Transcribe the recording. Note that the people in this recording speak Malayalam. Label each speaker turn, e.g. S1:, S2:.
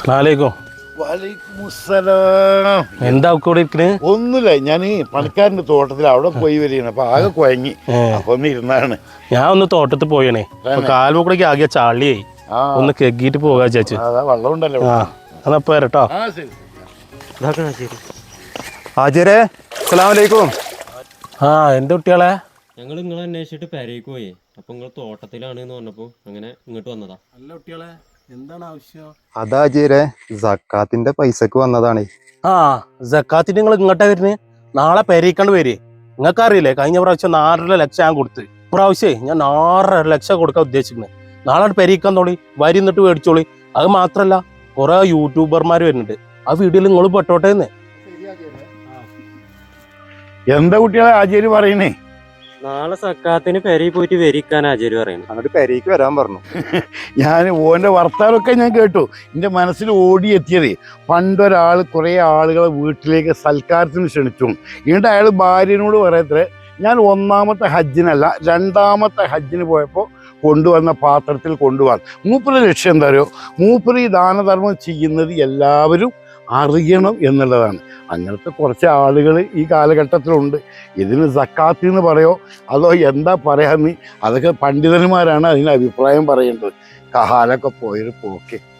S1: അസ്സലാമലൈക്കും. എന്താ കൂടെ ഇരിക്കണേ?
S2: ഒന്നുമില്ല, ഞാൻ പണിക്കാരന്റെ തോട്ടത്തിൽ അവിടെ പോയി വരികയാണ്. അപ്പൊ ആകെ കുഴങ്ങി, അപ്പൊ ഒന്ന് ഇരുന്നാണ്.
S1: ഞാൻ ഒന്ന് തോട്ടത്തിൽ പോയണേ, കാൽമുക്കൂടേക്ക് ആകെ ചാളിയായി, ഒന്ന് കെഗിട്ട് പോകാ ചേച്ചി.
S2: വെള്ളം ഉണ്ടല്ലോ.
S1: അതപ്പോ വരട്ടോ.
S3: ഹാജിരെ അസ്സലാമലൈക്കും.
S1: എന്റെ കുട്ടികളെ
S4: ഞങ്ങൾ നിങ്ങളെ അന്വേഷിച്ചിട്ട് പെരേക്ക് പോയേ. അപ്പൊ നിങ്ങൾ തോട്ടത്തിലാണ് എന്ന് പറഞ്ഞപ്പോ അങ്ങനെ ഇങ്ങോട്ട് വന്നതാ.
S1: നല്ല കുട്ടികളെ, എന്താണ് ആവശ്യം?
S3: അതാ ഹാജിരെ, സക്കാത്തിന്റെ പൈസക്ക് വന്നതാണ്.
S1: സക്കാത്തിന് നിങ്ങൾ ഇങ്ങോട്ടാ വരുന്നത്? നാളെ പെരേക്കാണ്ട് വരെ. നിങ്ങൾക്ക് അറിയില്ലേ, കഴിഞ്ഞ പ്രാവശ്യം 4.5 ലക്ഷം ഞാൻ കൊടുത്ത്. ഇപ്രാവശ്യേ ഞാൻ 6.5 ലക്ഷം കൊടുക്കാൻ ഉദ്ദേശിക്കുന്നത്. നാളെ പെരേക്കാൻ തോളി വരി എന്നിട്ട് മേടിച്ചോളി. അത് മാത്രല്ല, കുറെ യൂട്യൂബർമാർ വരുന്നുണ്ട്. ആ വീഡിയോയിൽ നിങ്ങൾ പെട്ടോട്ടെ എന്ന്.
S2: എന്താ കുട്ടികളെ ആചാര്യ പറയണേ?
S4: നാളെ സക്കാത്തിന് പെരയിൽ പോയിട്ട് വരിക്കാൻ ആചാര്യ പറയുന്നു.
S3: അങ്ങോട്ട് പെരേക്ക് വരാൻ പറഞ്ഞു.
S2: ഞാൻ ഓൻ്റെ വർത്താനമൊക്കെ ഞാൻ കേട്ടു. എൻ്റെ മനസ്സിൽ ഓടിയെത്തിയത്, പണ്ടൊരാൾ കുറേ ആളുകളെ വീട്ടിലേക്ക് സൽക്കാരത്തിന് ക്ഷണിച്ചു. എന്നിട്ട് അയാൾ ഭാര്യനോട് പറയത്രേ, ഞാൻ 1ാമത്തെ ഹജ്ജിനല്ല 2ാമത്തെ ഹജ്ജിന് പോയപ്പോൾ കൊണ്ടുവന്ന പാത്രത്തിൽ കൊണ്ടുപോകാൻ. മൂപ്പരുടെ ലക്ഷ്യം എന്താ അറിയോ? മൂപ്പര് ഈ ദാനധർമ്മം ചെയ്യുന്നത് എല്ലാവരും അറിയണം എന്നുള്ളതാണ്. അങ്ങനത്തെ കുറച്ച് ആളുകൾ ഈ കാലഘട്ടത്തിലുണ്ട്. ഇതിന് സക്കാത്ത് എന്ന് പറയോ അതോ എന്താ പറയാന്ന്, അതൊക്കെ പണ്ഡിതന്മാരാണ് അതിന് അഭിപ്രായം പറയേണ്ടത്. കാലൊക്കെ പോയൊരു പോക്കെ.